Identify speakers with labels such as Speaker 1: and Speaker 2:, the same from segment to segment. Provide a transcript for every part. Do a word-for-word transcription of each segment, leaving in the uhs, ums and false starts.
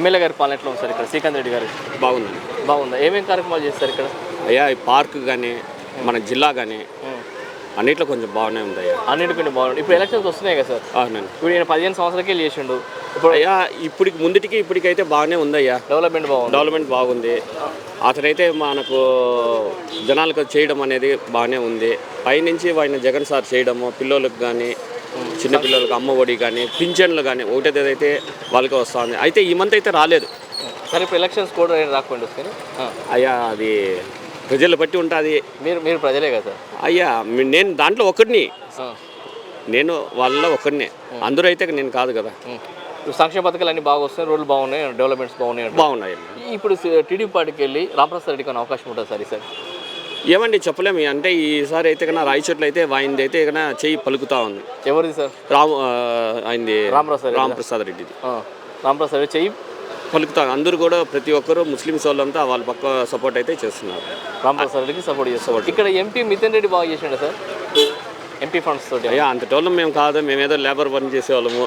Speaker 1: MLA గారి పాలన ఎట్లా ఉంది సార్ ఇక్కడ శ్రీకాంత్ రెడ్డి గారు?
Speaker 2: బాగుందండి.
Speaker 1: బాగుందా? ఏమేమి కార్యక్రమాలు చేస్తారు ఇక్కడ?
Speaker 2: అయ్యా ఈ పార్క్ కానీ మన జిల్లా కానీ అన్నిట్లో కొంచెం బాగానే ఉంది అయ్యా.
Speaker 1: అన్నిటికీ బాగుంది. ఇప్పుడు ఎలక్షన్స్ వస్తున్నాయి కదా సార్?
Speaker 2: అవునండి.
Speaker 1: ఇప్పుడు ఈయన పదిహేను సంవత్సరాలకే చేసిండు.
Speaker 2: ఇప్పుడు అయ్యా ఇప్పటికి ముందుటికి ఇప్పటికైతే బాగానే ఉంది అయ్యా.
Speaker 1: డెవలప్మెంట్ బాగుంది.
Speaker 2: డెవలప్మెంట్ బాగుంది. అతనైతే మనకు జనాలకు చేయడం అనేది బాగానే ఉంది. పైనుంచి ఆయన జగన్ సార్ చేయడము పిల్లలకు కానీ చిన్నపిల్లలకు అమ్మ ఒడి కానీ పింఛన్లు కానీ ఒకటేదైతే వాళ్ళకి వస్తుంది. అయితే ఈ మంత్ అయితే రాలేదు
Speaker 1: సరే. ఇప్పుడు ఎలక్షన్స్ కూడా రాకుండా వస్తాయి
Speaker 2: అయ్యా. అది ప్రజలు బట్టి ఉంటుంది.
Speaker 1: మీరు మీరు ప్రజలే కదా సార్?
Speaker 2: అయ్యా నేను దాంట్లో ఒకరిని, నేను వాళ్ళలో ఒకరినే. అందరూ అయితే నేను కాదు కదా.
Speaker 1: సంక్షేమ పథకాలు అన్నీ బాగా వస్తున్నాయి, రోడ్లు బాగున్నాయి, డెవలప్మెంట్స్ బాగున్నాయి
Speaker 2: బాగున్నాయి.
Speaker 1: ఇప్పుడు టీడీపీ పార్టీకి వెళ్ళి రామప్రసాద్ రెడ్డికి అనే అవకాశం ఉంటుంది సార్ ఈసారి?
Speaker 2: ఏమండి చెప్పలేము. అంటే ఈసారి అయితే కన్నా రాయచోట్ల అయితే ఆయనది అయితే కన్నా చెయ్యి పలుకుతా ఉంది.
Speaker 1: ఎవరిది సార్?
Speaker 2: రామ్ ఆయనది
Speaker 1: రామప్రసాద్
Speaker 2: రామప్రసాద్ రెడ్డిది
Speaker 1: రామప్రసాద్ రెడ్డి చెయ్యి
Speaker 2: పలుకుతా. అందరూ కూడా ప్రతి ఒక్కరు ముస్లిమ్స్ వాళ్ళంతా వాళ్ళ పక్క సపోర్ట్ అయితే చేస్తున్నారు.
Speaker 1: రామప్రసాద్ రెడ్డికి సపోర్ట్ చేస్తారు. ఇక్కడ ఎంపీ మిథున్ రెడ్డి బాగా చేసిండు సార్ ఎంపీ ఫండ్స్ తోటి.
Speaker 2: అయ్యా అంత టోళ్ళం మేము కాదు, మేమేదో లేబర్ పని చేసేవాళ్ళము.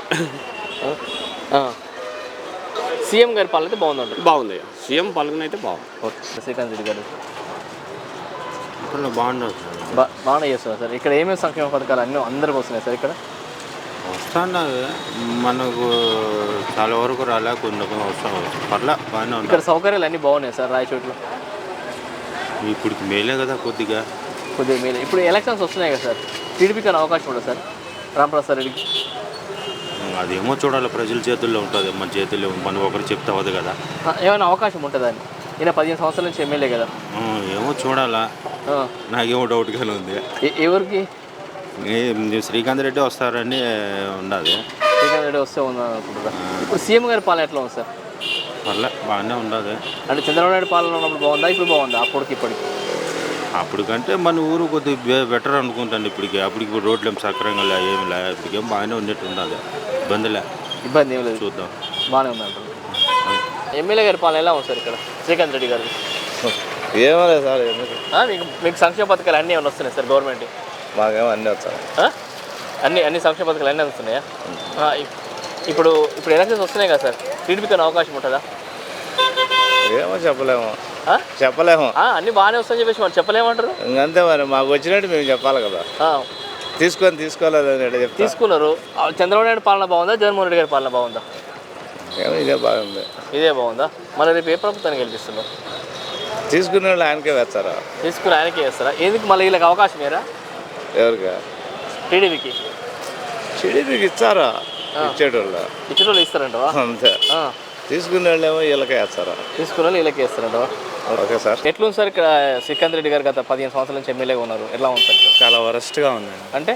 Speaker 1: సీఎం గారి పాలన అయితే బాగుందండి.
Speaker 2: బాగుంది. సీఎం పాలన అయితే బాగుంది.
Speaker 1: ఓకే. శ్రీకాంత్ రెడ్డి గారు
Speaker 2: బాగున్నారు
Speaker 1: బా బాగానే చేస్తున్నారు సార్. ఇక్కడ ఏమేమి సంక్షేమ పథకాలు అన్నీ అందరికి వస్తున్నాయి సార్? ఇక్కడ
Speaker 3: వస్తున్నది మనకు చాలా వరకు రాలే, కొన్ని వస్తాం పర్లే బాగానే ఉంది.
Speaker 1: ఇక్కడ సౌకర్యాలు అన్నీ బాగున్నాయి సార్ రాయచోట్లో?
Speaker 3: ఇప్పటికి మేలే కదా కొద్దిగా
Speaker 1: కొద్దిగా మేలే. ఇప్పుడు ఎలక్షన్స్ వస్తున్నాయి కదా సార్, టీడీపీకి అనే అవకాశం ఉంటుంది సార్ రామప్రసాద్ రెడ్డికి?
Speaker 3: అదేమో చూడాలి, ప్రజల చేతుల్లో ఉంటుంది, మన చేతుల్లో మనం ఒకరు చెప్తే అవ్వదు కదా.
Speaker 1: ఏమైనా అవకాశం ఉంటుందా అని? ఈయన పదిహేను సంవత్సరాల నుంచి ఎమ్మెల్యే కదా.
Speaker 3: ఏమో చూడాలా, నాకేమో డౌట్గానే ఉంది.
Speaker 1: ఎవరికి?
Speaker 3: శ్రీకాంత్ రెడ్డి వస్తారని ఉన్నది.
Speaker 1: శ్రీకాంత్ రెడ్డి వస్తే ఉంది అనుకుంటున్నా. ఇప్పుడు సీఎం గారి పాలన ఎట్లా ఉంది సార్?
Speaker 3: పర్లే బాగానే ఉండదు.
Speaker 1: అంటే చంద్రబాబు నాయుడు పాలన ఉన్నప్పుడు బాగుందా, ఇప్పుడు బాగుందా? అప్పటికి ఇప్పటికి?
Speaker 3: అప్పటికంటే మన ఊరు కొద్దిగా బెటర్ అనుకుంటాను. ఇప్పటికి అప్పటికి ఇప్పుడు రోడ్లు ఏం సక్రంగా లే, ఏమి లే, ఇప్పటికేం బాగానే ఉన్నట్టు ఉన్నది. ఇబ్బందిలే,
Speaker 1: ఇబ్బంది ఏం లేదు,
Speaker 3: చూద్దాం.
Speaker 1: బాగానే ఉంది అంటారు. ఎమ్మెల్యే గారి పాలన ఎలా ఉంది సార్ ఇక్కడ శ్రీకాంత్ రెడ్డి గారు?
Speaker 4: ఏమో లేదు సార్.
Speaker 1: మీకు మీకు సంక్షేమ పథకాలు అన్నీ ఏమైనా వస్తున్నాయి సార్ గవర్నమెంట్?
Speaker 4: మాకేమో అన్నీ వచ్చాయి.
Speaker 1: అన్ని అన్ని సంక్షేమ పథకాలు అన్నీ వస్తున్నాయా? ఇప్పుడు ఇప్పుడు ఎలక్షన్స్ వస్తున్నాయి కదా సార్, టీడీపీకి అవకాశం ఉంటుందా?
Speaker 4: ఏమో చెప్పలేము చెప్పలేము
Speaker 1: అన్ని బాగానే వస్తాయని చెప్పేసి మనం చెప్పలేమంటారు.
Speaker 4: ఇంకంతే మరి, మాకు వచ్చినట్టు మేము చెప్పాలి కదా. తీసుకొని తీసుకోలేదు
Speaker 1: తీసుకున్నారు. చంద్రబాబు నాయుడు పాలన బాగుందా, జగన్మోహన్ రెడ్డి గారి పాలన బాగుందా?
Speaker 4: ఏమో ఇదే బాగుంది.
Speaker 1: ఇదే బాగుందా? మళ్ళీ రేపు ఏ ప్రభుత్వాన్ని గెలిపిస్తున్నారు?
Speaker 4: తీసుకునే వాళ్ళు ఆయనకే వేస్తారా?
Speaker 1: తీసుకుని ఆయనకే వేస్తారా? ఎందుకు మళ్ళీ వీళ్ళకి అవకాశం ఏరా?
Speaker 4: ఎవరికి?
Speaker 1: టీడీపీకి.
Speaker 4: టీడీపీకి ఇచ్చారా? ఇచ్చేటోళ్ళు
Speaker 1: ఇచ్చేటోళ్ళు ఇస్తారంట
Speaker 4: అంతే. తీసుకునే వాళ్ళు ఏమో వీళ్ళకే వేస్తారా?
Speaker 1: తీసుకునే వాళ్ళు వీళ్ళకే వేస్తారంట.
Speaker 4: Okay sir.
Speaker 1: ఎట్లుంది సార్ ఇక్కడ శ్రీకాంత్ రెడ్డి గారు గత పదిహేను సంవత్సరాల నుంచి ఎమ్మెల్యేగా ఉన్నారు, ఎట్లా ఉంది సార్?
Speaker 5: చాలా వరస్ట్గా ఉంది.
Speaker 1: అంటే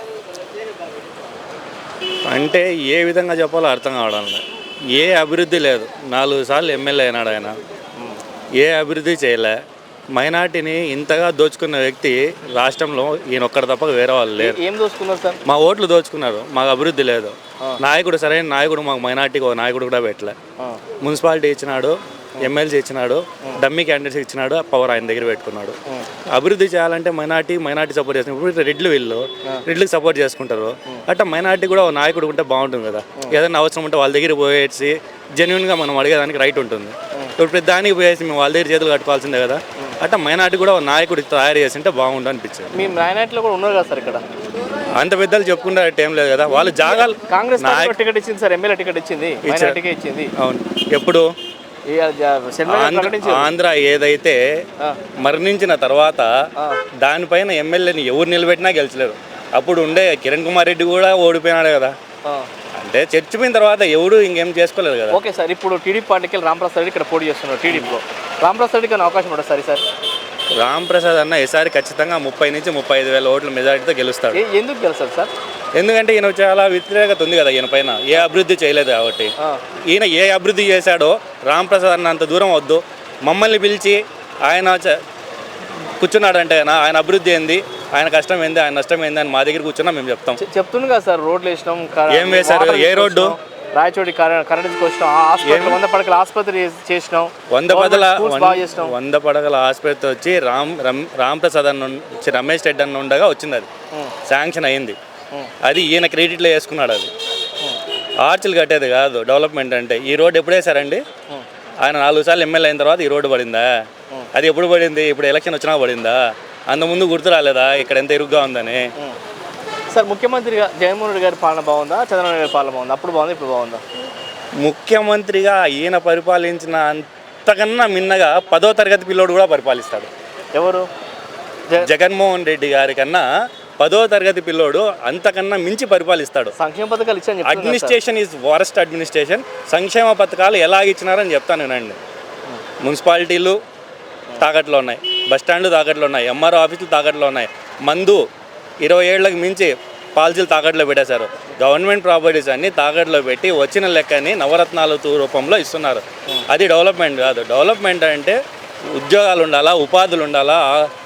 Speaker 5: అంటే ఏ విధంగా చెప్పాలో అర్థం కావడం లేదు. ఏ అభివృద్ధి లేదు. నాలుగు సార్లు ఎమ్మెల్యే అయినాడు ఆయన, ఏ అభివృద్ధి చేయలే. మైనార్టీని ఇంతగా దోచుకున్న వ్యక్తి రాష్ట్రంలో ఈయన ఒక్కడి తప్ప వేరే వాళ్ళు లేరు.
Speaker 1: ఏం దోచుకున్నారు సార్?
Speaker 5: మా ఓట్లు దోచుకున్నారు, మాకు అభివృద్ధి లేదు. నాయకుడు సరైన నాయకుడు మాకు మైనార్టీకి ఒక నాయకుడు కూడా పెట్టలే. మున్సిపాలిటీ ఇచ్చినాడు, ఎమ్మెల్సీ ఇచ్చినాడు, డమ్మీ క్యాండిడేట్స్ ఇచ్చినాడు, పవర్ ఆయన దగ్గర పెట్టుకున్నాడు. అభివృద్ధి చేయాలంటే మైనార్టీ మైనార్టీ సపోర్ట్ చేస్తున్నారు. ఇప్పుడు రెడ్లు వీళ్ళు రెడ్లకు సపోర్ట్ చేసుకుంటారు. అట్లా మైనార్టీ కూడా ఒక నాయకుడు ఉంటే బాగుంటుంది కదా. ఏదైనా అవసరం ఉంటే వాళ్ళ దగ్గర పోయేసి జెన్యున్గా మనం అడిగేదానికి రైట్ ఉంటుంది. ఇప్పుడు ప్రతి దానికి పోయేసి మేము వాళ్ళ దగ్గర చేతులు కట్టుకోవాల్సిందే కదా. అట్లా మైనార్టీ కూడా ఒక నాయకుడు తయారు చేసి ఉంటే బాగుండు అనిపించింది.
Speaker 1: మీ మైనార్టీలో కూడా ఉన్నారు కదా సార్ ఇక్కడ?
Speaker 5: అంత పెద్దలు చెప్పుకుంటే ఏం లేదు కదా. వాళ్ళు జాగాలు
Speaker 1: కాంగ్రెస్ టికెట్ ఇచ్చింది సార్, ఎమ్మెల్యే టికెట్ ఇచ్చింది, ఇచ్చింది.
Speaker 5: అవును. ఎప్పుడు ఆంధ్ర ఏదైతే మరణించిన తర్వాత దానిపైన ఎమ్మెల్యేని ఎవరు నిలబెట్టినా గెలిచలేరు. అప్పుడు ఉండే కిరణ్ కుమార్ రెడ్డి కూడా ఓడిపోయినాడు కదా. అంటే చర్చిపోయిన తర్వాత ఎవడు ఇంకేం చేసుకోలేదు కదా.
Speaker 1: Okay sir. ఇప్పుడు టీడీపీ పార్టీకి రామప్రసాద్ రెడ్డి ఇక్కడ పోటీ చేస్తున్నారు టీడీపీలో. రామప్రసాద్ రెడ్డికి అవకాశం ఉంటుంది సార్ ఈసారి?
Speaker 5: రామప్రసాద్ అన్న ఈసారి ఖచ్చితంగా ముప్పై నుంచి ముప్పై ఐదు వేల ఓట్ల మెజారిటీతో గెలుస్తాడు.
Speaker 1: ఎందుకు గెలుస్తాడు సార్?
Speaker 5: ఎందుకంటే ఈయన చాలా వ్యతిరేకత ఉంది కదా ఈయన పైన. ఏ అభివృద్ధి చేయలేదు కాబట్టి. ఈయన ఏ అభివృద్ధి చేశాడో రామప్రసాద్ అన్న అంత దూరం వద్దు, మమ్మల్ని పిలిచి ఆయన కూర్చున్నాడంటే ఆయన అభివృద్ధి ఏంది, ఆయన కష్టం ఏంది, ఆయన నష్టం ఏంది అని మా దగ్గర కూర్చున్నా మేము చెప్తాం.
Speaker 1: చెప్తుంది కదా సార్, రోడ్లు వేసినాం.
Speaker 5: ఏం వేశారు? ఏ రోడ్డు?
Speaker 1: రాయచోటి కరెంట్ తీసుకొచ్చినాం, వంద పడకల ఆసుపత్రి చేసినాం.
Speaker 5: వంద పడకల వంద పడకల ఆసుపత్రి వచ్చి రామ్ రామప్రసాద్ అన్న రమేష్ రెడ్డి అన్న ఉండగా వచ్చింది. అది శాంక్షన్ అయింది. అది ఈయన క్రెడిట్లో వేసుకున్నాడు. అది ఆర్చులు కట్టేది కాదు డెవలప్మెంట్ అంటే. ఈ రోడ్ ఎప్పుడు వేసారండి? ఆయన నాలుగు సార్లు ఎమ్మెల్యే అయిన తర్వాత ఈ రోడ్డు పడిందా? అది ఎప్పుడు పడింది? ఇప్పుడు ఎలక్షన్ వచ్చినా పడిందా? అంత ముందు గుర్తు రాలేదా ఇక్కడ ఎంత ఇరుగ్గా ఉందని?
Speaker 1: సార్ ముఖ్యమంత్రిగా జగన్మోహన్ రెడ్డి గారి పాలన బాగుందా, చంద్రబాబు నాయుడు గారి పాలన బాగుందా? అప్పుడు బాగుందా, ఇప్పుడు బాగుందా?
Speaker 5: ముఖ్యమంత్రిగా ఈయన పరిపాలించిన అంతకన్నా మిన్నగా పదో తరగతి పిల్లోడు కూడా పరిపాలిస్తాడు.
Speaker 1: ఎవరు?
Speaker 5: జగన్మోహన్ రెడ్డి గారి కన్నా పదో తరగతి పిల్లోడు అంతకన్నా మించి పరిపాలిస్తాడు.
Speaker 1: సంక్షేమ పథకాలు ఇచ్చాను.
Speaker 5: Administration is worst administration. సంక్షేమ పథకాలు ఎలా ఇచ్చినారని చెప్తాను నేనండి. మున్సిపాలిటీలు తాకట్లో ఉన్నాయి, బస్టాండ్లు తాకట్లో ఉన్నాయి, ఎంఆర్ఓ ఆఫీసులు తాకట్లో ఉన్నాయి, మందు ఇరవై ఏళ్ళకి మించి పాలసీలు తాకట్లో పెట్టేశారు. గవర్నమెంట్ ప్రాపర్టీస్ అన్ని తాకట్లో పెట్టి వచ్చిన లెక్కని నవరత్నాల రూపంలో ఇస్తున్నారు. అది డెవలప్మెంట్ కాదు. డెవలప్మెంట్ అంటే ఉద్యోగాలు ఉండాలా, ఉపాధులు ఉండాలా.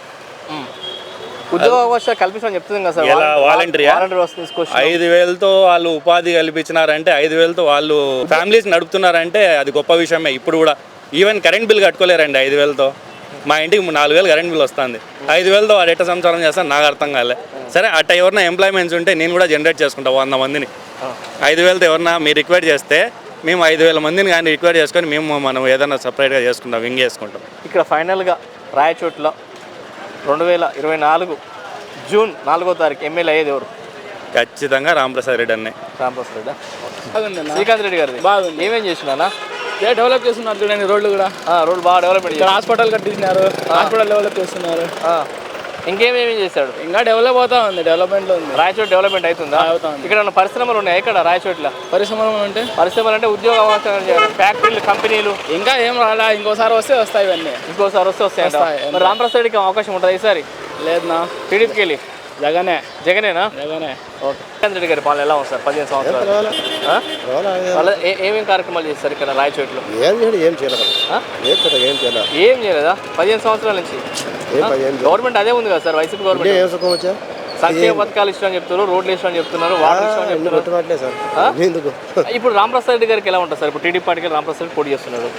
Speaker 1: ఉద్యోగ అవకాశాలు కల్పించమని చెప్తుంది కదా సార్.
Speaker 5: ఎలా వాలంటీర్
Speaker 1: తీసుకొచ్చి
Speaker 5: ఐదు వేలతో వాళ్ళు ఉపాధి కల్పించినారంటే, ఐదు వేలతో వాళ్ళు ఫ్యామిలీస్ నడుపుతున్నారంటే అది గొప్ప విషయమే. ఇప్పుడు కూడా ఈవెన్ కరెంట్ బిల్ కట్టుకోలేరండి ఐదు వేలతో. మా ఇంటికి నాలుగు వేలు కరెంట్ బిల్ వస్తుంది. ఐదు వేలతో వాడు ఎట్ట సంసారం చేస్తాను నాకు అర్థం కాలే. సరే అట్ట ఎవరన్నా ఎంప్లాయ్మెంట్స్ ఉంటే నేను కూడా జనరేట్ చేసుకుంటా వంద మందిని. ఐదు వేలతో ఎవరన్నా మీరు రిక్వైర్ చేస్తే మేము ఐదు వేల మందిని కానీ రిక్వైర్ చేసుకొని మేము మనం ఏదైనా సపరేట్గా చేసుకుంటాం, వింగ్ చేసుకుంటాం.
Speaker 1: ఇక్కడ ఫైనల్గా రాయచోట్ల రెండు వేల ఇరవై నాలుగు జూన్ నాలుగో తారీఖు ఎమ్మెల్యే అయ్యేది ఎవరు?
Speaker 5: ఖచ్చితంగా రాంప్రసాద్ రెడ్డి అన్నే.
Speaker 1: రాంప్రసాద్ రెడ్డి. శ్రీకాంత్ రెడ్డి గారిది బాగుంది. ఏమేం చేసినా
Speaker 6: డెవలప్ చేస్తున్నారు చూడండి, రోడ్లు కూడా
Speaker 1: రోడ్లు బాగా డెవలప్మెంట్
Speaker 6: ఇక్కడ హాస్పిటల్ కట్టించినారు, హాస్పిటల్ డెవలప్ చేస్తున్నారు.
Speaker 1: ఇంకేమేమి చేశాడు?
Speaker 6: ఇంకా డెవలప్ అవుతా ఉంది, డెవలప్మెంట్లో ఉంది.
Speaker 1: రాయచోట్ డెవలప్మెంట్ అవుతుందా? అవుతుంది. ఇక్కడ ఉన్న పరిశ్రమలు ఉన్నాయి ఎక్కడ రాయచోట్ల?
Speaker 6: పరిశ్రమలు అంటే
Speaker 1: పరిశ్రమలు అంటే ఉద్యోగ అవకాశాలు, ఫ్యాక్టరీలు, కంపెనీలు
Speaker 6: ఇంకా ఏం రాలా. ఇంకోసారి వస్తే వస్తాయి ఇవన్నీ.
Speaker 1: ఇంకోసారి వస్తే వస్తాయి. మరి రాంప్రసాద్ రెడ్డికి అవకాశం ఉంటుంది ఈసారి?
Speaker 6: లేదన్నా,
Speaker 1: టీడీపీకి వెళ్ళి
Speaker 6: జగనే
Speaker 1: జగనేనా?
Speaker 6: జగనే.
Speaker 1: ఓకే. శ్రీకాంత్ రెడ్డి గారి పాలన ఎలా ఉంది సార్? పదిహేను సంవత్సరాలు వాళ్ళ ఏమేమి కార్యక్రమాలు చేస్తారు ఇక్కడ రాయచోట్లో?
Speaker 7: ఏం చేయలేదు, ఏం చేయలేదు, ఏం చేయలేదు,
Speaker 1: ఏం చేయలేదా పదిహేను సంవత్సరాల నుంచి? గవర్నమెంట్ అదే ఉంది కదా సార్, వైసీపీ గవర్నమెంట్.
Speaker 7: ఏం సుఖం వచ్చా?
Speaker 1: సంక్షేమ పథకాలు ఇష్టం చెప్తున్నారు, రోడ్లు ఇష్టం చెప్తున్నారు, వాటర్ ఇష్టం చెప్తున్నారు.
Speaker 7: సార్
Speaker 1: ఇప్పుడు రాంప్రసాద్ రెడ్డి గారికి ఎలా ఉంటుంది సార్? ఇప్పుడు టీడీపీ పార్టీకి రాంప్రసాద్ రెడ్డి పోటీ చేస్తున్నాడు.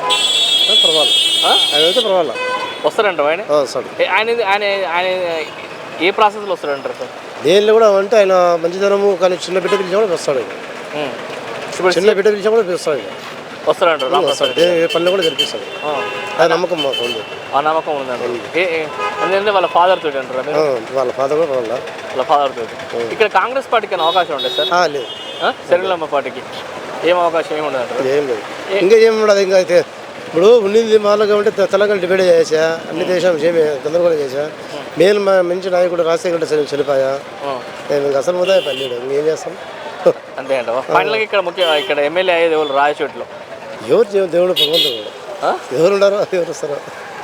Speaker 7: పర్వాలేదు, పర్వాలేదు.
Speaker 1: వస్తారంట ఆయన? ఆయన ఆయన ఆయన ఏ ప్రాసెస్లో వస్తాడంటారు సార్?
Speaker 7: దేనిలో కూడా అంటే ఆయన మంచిదనము, కానీ చిన్న బిడ్డ పిలిచి కూడా వస్తాడు. చిన్న బిడ్డ పిలిచి కూడా వస్తాడు,
Speaker 1: వస్తాడంటారు.
Speaker 7: పనులు కూడా జరిపిస్తాడు. ఆ నమ్మకం మాకు ఉంది.
Speaker 1: ఆ నమ్మకం ఉందండి. ఎందుకంటే వాళ్ళ ఫాదర్ తోటి అంటారు.
Speaker 7: వాళ్ళ ఫాదర్ కూడా వాళ్ళ
Speaker 1: వాళ్ళ ఫాదర్ తోటి. ఇక్కడ కాంగ్రెస్ పార్టీకి అవకాశం ఉంటుంది సార్?
Speaker 7: లేదు.
Speaker 1: శరీరమ్మ పార్టీకి ఏం అవకాశం ఏమి ఉండదు అంటారు?
Speaker 7: ఏం లేదు, ఇంకా ఏమి ఉండదు. ఇంకా అయితే ఇప్పుడు ఉండింది మామూలుగా ఉంటే తెలంగాణ డిబేట్ చేసా, అన్ని దేశం ఏమి గందరగోళం చేసా. నేను మంచి నాయకుడు రాజశేఖర్ రెడ్డి చనిపోయా, నేను ఇంకా అసలు ముదా పల్లెడు, ఇంకేం చేస్తాం.
Speaker 1: అంతే అంట. ఫైనల్గా ఇక్కడ ముఖ్య ఇక్కడ ఎమ్మెల్యే అయ్యేది ఎవరు రాయచోట్లో?
Speaker 7: ఎవరు దేవుడు భగవంతుడు కూడా ఎవరు ఉన్నారో ఎవరు వస్తారో.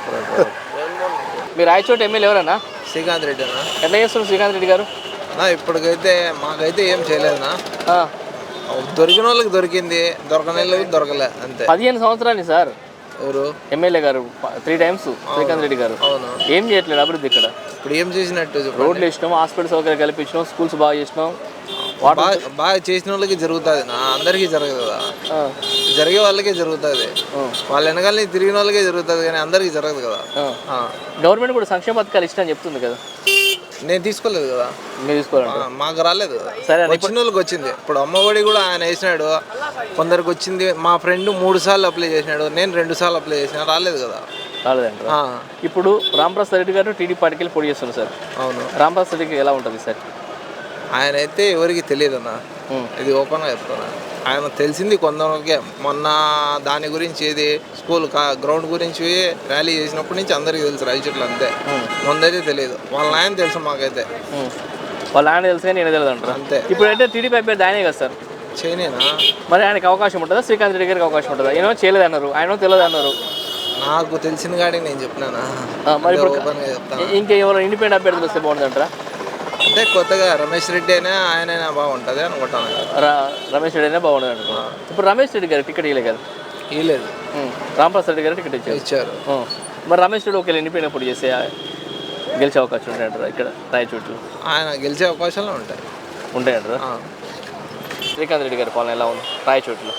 Speaker 1: మీరు రాయచోట ఎమ్మెల్యే ఎవరన్నా?
Speaker 8: శ్రీకాంత్ రెడ్డి అన్న.
Speaker 1: ఎట్లా చేస్తున్నారు శ్రీకాంత్ రెడ్డి గారు?
Speaker 8: ఇప్పటికైతే మాకైతే ఏం చేయలేదన్నా. దొరికిన వాళ్ళకి దొరికింది, దొరకని వాళ్ళకి దొరకలే అంతే.
Speaker 1: పదిహేను సంవత్సరాలు సార్
Speaker 8: ఎవరు
Speaker 1: ఎమ్మెల్యే గారు త్రీ టైమ్స్ శ్రీకాంత్ రెడ్డి గారు.
Speaker 8: అవును.
Speaker 1: ఏం చేయట్లేదు అభివృద్ధి ఇక్కడ?
Speaker 8: ఇప్పుడు ఏం చేసినట్టు?
Speaker 1: రోడ్లు ఇచ్చినాం, హాస్పిటల్ సౌకర్యం కల్పించినాం, స్కూల్స్ బాగా చేసినాం.
Speaker 8: బాగా బాగా చేసిన వాళ్ళకి జరుగుతుంది, నా అందరికీ జరగదు కదా. జరిగే వాళ్ళకే జరుగుతుంది, వాళ్ళ వెనకాల తిరిగిన వాళ్ళకే జరుగుతుంది, కానీ అందరికీ జరగదు కదా.
Speaker 1: గవర్నమెంట్ కూడా సంక్షేమ పథకాలు ఇష్టం చెప్తుంది కదా.
Speaker 8: నేను తీసుకోలేదు కదా.
Speaker 1: మీరు తీసుకోవాలంటే
Speaker 8: మాకు రాలేదు.
Speaker 1: సరే,
Speaker 8: వచ్చిన వాళ్ళకి వచ్చింది. ఇప్పుడు అమ్మఒడి కూడా ఆయన వేసినాడు, కొందరికి వచ్చింది. మా ఫ్రెండ్ మూడు సార్లు అప్లై చేసినాడు, నేను రెండు సార్లు అప్లై చేసిన, రాలేదు కదా.
Speaker 1: రాలేదంట. ఇప్పుడు రాంప్రసాద్ రెడ్డి గారు టీడీపీ పార్టీకి వెళ్ళి పోటీ చేస్తున్నారు సార్.
Speaker 8: అవును.
Speaker 1: రాంప్రసాద్ రెడ్డికి ఎలా ఉంటుంది సార్?
Speaker 8: ఆయన అయితే ఎవరికి తెలియదు అన్న, ఇది ఓపెన్గా చెప్తున్నా. ఆయన తెలిసింది కొందరికే. మొన్న దాని గురించి ఏది స్కూల్ గ్రౌండ్ గురించి ర్యాలీ చేసినప్పటి నుంచి అందరికీ తెలుసు రాయచోట్ల, అంతే. ముందైతే తెలియదు. వాళ్ళ ఆయన తెలుసు మాకైతే.
Speaker 1: వాళ్ళ ఆయన తెలుసు కానీ నేను తెలియదు అంటారు
Speaker 8: అంతే.
Speaker 1: ఇప్పుడు అయితే టీడీపీ అభ్యర్థి ఆయనే కదా సార్?
Speaker 8: చేయనేనా?
Speaker 1: మరి ఆయనకి అవకాశం ఉంటుందా? శ్రీకాంత్ రెడ్డి గారికి అవకాశం ఉంటుందా? ఏమో చేయలేదు అన్నారు, ఆయన తెలియదు అన్నారు.
Speaker 8: నాకు తెలిసిన కాడికి నేను చెప్పినానా,
Speaker 1: మరి ఇప్పుడు
Speaker 8: ఓపెన్గా చెప్తాను.
Speaker 1: ఇంకా ఎవరు ఇండిపెండెంట్ అభ్యర్థులు వస్తే బాగుంటుంది అంటారా?
Speaker 8: అంటే కొత్తగా రమేష్ రెడ్డి అయినా ఆయన బాగుంటుంది అనుకుంటాను.
Speaker 1: రమేష్ రెడ్డి అయినా బాగుంటుంది అనుకో. ఇప్పుడు రమేష్ రెడ్డి గారికి టికెట్ ఇవ్వలేదు కదా?
Speaker 8: ఇవ్వలేదు.
Speaker 1: రాంప్రసాద్ రెడ్డి గారికి టికెట్ ఇచ్చారు
Speaker 8: ఇచ్చారు
Speaker 1: మరి రమేష్ రెడ్డి ఒకవేళ ఇండిపెండెంట్ పోటీ చేస్తే గెలిచే అవకాశం ఉంటాయంటారా ఇక్కడ రాయచోట్లు?
Speaker 8: ఆయన గెలిచే అవకాశాలు ఉంటాయి
Speaker 1: ఉంటాయంటారా? శ్రీకాంత్ రెడ్డి గారి పాలన ఎలా ఉంది రాయచోట్లో?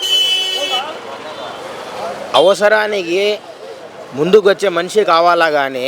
Speaker 9: అవసరానికి ముందుకు వచ్చే మనిషి కావాలా కానీ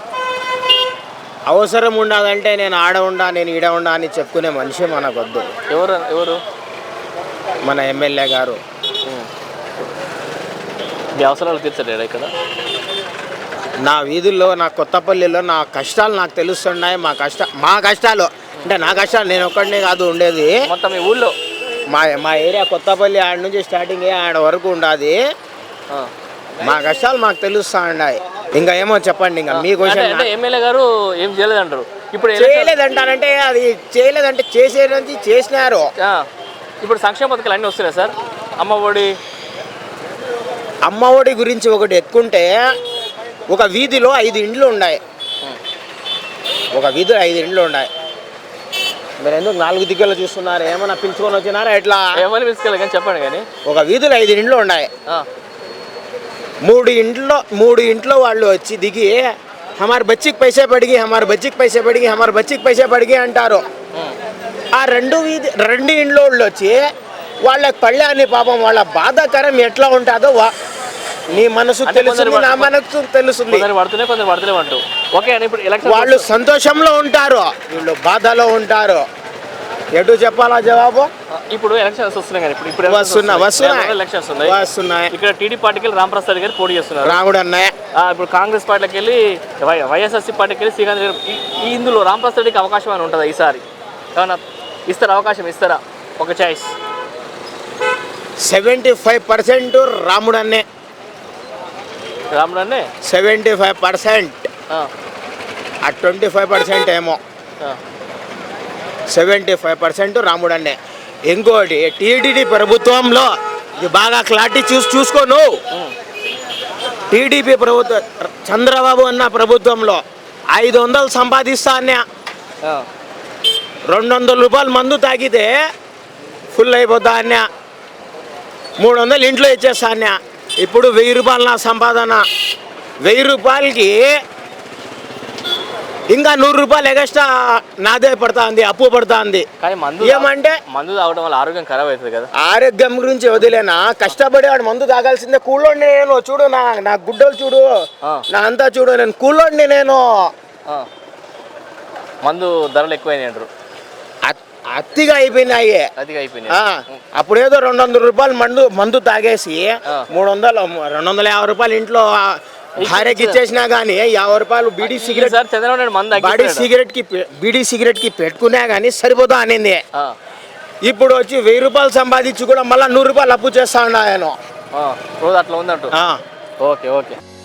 Speaker 9: అవసరం ఉండదంటే నేను ఆడ ఉండా నేను ఈడ ఉండా అని చెప్పుకునే మనిషి మనకొద్దు.
Speaker 1: ఎవరు ఎవరు
Speaker 9: మన ఎమ్మెల్యే గారు
Speaker 1: మీ అవసరాలు తీర్చలేడా ఇక్కడ?
Speaker 9: నా వీధుల్లో నా కొత్తపల్లిలో నా కష్టాలు నాకు తెలుస్తున్నాయి. మా కష్ట మా కష్టాలు అంటే నా కష్టాలు నేను ఒక్కడనే కాదు ఉండేది.
Speaker 1: మొత్తం మీ ఊళ్ళో
Speaker 9: మా మా ఏరియా కొత్తపల్లి ఆడ నుంచి స్టార్టింగ్ ఆడ వరకు ఉండదు. మా కష్టాలు మాకు తెలుస్తా ఉన్నాయి. ఇంకా ఏమో చెప్పండి. ఇంకా మీ క్వశ్చన్
Speaker 1: అంటే ఎమ్మెల్యే గారు ఏం చేయలేదంటారు. ఇప్పుడు
Speaker 9: చేయలేదంటారంటే అది చేయలేదంటే చేసేది చేసినారు.
Speaker 1: ఆ, ఇప్పుడు సంక్షేమ పథకాలు అన్నీ వస్తున్నాయి సార్. అమ్మ ఒడి
Speaker 9: అమ్మ ఒడి గురించి ఒకటి ఎక్కుంటే ఒక వీధిలో ఐదు ఇండ్లు ఉన్నాయి. ఒక వీధిలో ఐదు ఇండ్లు ఉన్నాయి. మీరు ఎందుకు నాలుగు దిగ్గలు చూస్తున్నారు? ఏమన్నా పిలుచుకొని వచ్చినారా ఎట్లా?
Speaker 1: ఏమని పిలుచుకోవాలి కానీ చెప్పండి. కానీ
Speaker 9: ఒక వీధిలో ఐదు ఇండ్లు ఉన్నాయి. మూడు ఇంట్లో మూడు ఇంట్లో వాళ్ళు వచ్చి దిగి హమార్ బచ్చికి పైసే పడిగి హమార్ బచ్చికి పైసే పడిగి హమార్ బచ్చికి పైసే పడిగి అంటారు. ఆ రెండు వీధి రెండు ఇంట్లో వాళ్ళు వచ్చి వాళ్ళ కళ్యాణి పాపం వాళ్ళ బాధాకరం ఎట్లా ఉంటుందో నీ మనసు తెలుస్తుంది, నా మనసు తెలుస్తుంది.
Speaker 1: పడుతున్నాయి కొందరు పడతలేవు అంటూ. ఓకే అని ఇప్పుడు ఎలక్షన్
Speaker 9: వాళ్ళు సంతోషంలో ఉంటారు, వీళ్ళు బాధలో ఉంటారు. ఎటు చెప్పాలా జవాబు?
Speaker 1: ఇప్పుడు ఎలక్షన్స్ వస్తున్నాయి కానీ ఇప్పుడు ఇప్పుడు
Speaker 9: వస్తున్నా వస్తున్నాయి
Speaker 1: ఎలక్షన్స్ ఉన్నాయి
Speaker 9: వస్తున్నాయి
Speaker 1: ఇక్కడ టీడీ పార్టీకి వెళ్ళి రామప్రసాద్ గారు పోటీ చేస్తున్నారు.
Speaker 9: రాముడు అన్నయ్య.
Speaker 1: ఇప్పుడు కాంగ్రెస్ పార్టీకి వెళ్ళి వై వైఎస్ఆర్సీ పార్టీకి వెళ్ళి శ్రీకాంత్ గారు. ఈ ఇందులో రామప్రసాద్ రెడ్డికి అవకాశం అని ఉంటుందా ఈసారి? ఏమన్నా ఇస్తారా అవకాశం? ఇస్తారా ఒక choice?
Speaker 9: Seventy five percent Ramudu అన్నే.
Speaker 1: రాముడు అన్నే
Speaker 9: సెవెంటీ ఫైవ్ పర్సెంట్ ఆ ట్వంటీ ఫైవ్ పర్సెంట్ ఏమో సెవెంటీ ఫైవ్ పర్సెంట్ రాముడు అన్నే. ఇంకోటి టీడీపీ ప్రభుత్వంలో ఇది బాగా క్లారిటీ చూసి చూసుకోను. టీడీపీ ప్రభుత్వం చంద్రబాబు అన్న ప్రభుత్వంలో ఐదు వందలు సంపాదిస్తా అన్నా. రెండు వందల రూపాయలు మందు తాగితే ఫుల్ అయిపోతా అన్నా. మూడు వందలు ఇంట్లో ఇచ్చేస్తా అన్నా. ఇప్పుడు వెయ్యి రూపాయలు నా సంపాదన. వెయ్యి రూపాయలకి ఇంకా నూరు రూపాయలు ఎగస్ట్రా నాదే పడతా ఉంది, అప్పు పడతా ఉంది. ఏమంటే
Speaker 1: మందు తాగడం వల్ల ఆరోగ్యం ఖరాబ్ అవుతుంది కదా.
Speaker 9: ఆరోగ్యం గురించి వదిలేనా, కష్టపడి వాడు మందు తాగాల్సిందే. కూలోండి నేను చూడు, నా నా గుడ్డలు చూడు, నా అంతా చూడు, నేను కూలోండి నేను.
Speaker 1: మందు ధరలు ఎక్కువైనాయి అంటారు.
Speaker 9: అతిగా అయిపోయినాయి.
Speaker 1: అతిగా అయిపోయినాయి.
Speaker 9: అప్పుడు ఏదో రెండు వందల రూపాయలు మందు మందు తాగేసి మూడు వందలు రెండు వందల యాభై రూపాయలు ఇంట్లో భార్యకి ఇచ్చేసినా గానీ యాభై రూపాయలు బీడీ సిగరెట్ బీడీ సిగరెట్ కి బీడీ సిగరెట్ కి పెట్టుకున్నా గానీ సరిపోతా అనింది. ఇప్పుడు వచ్చి వెయ్యి రూపాయలు సంపాదించి కూడా మళ్ళీ నూరు రూపాయలు అప్పు చేస్తా ఉన్నా నేను.
Speaker 1: రోజు అట్లా ఉందంటూ.
Speaker 9: ఆ
Speaker 1: ఓకే ఓకే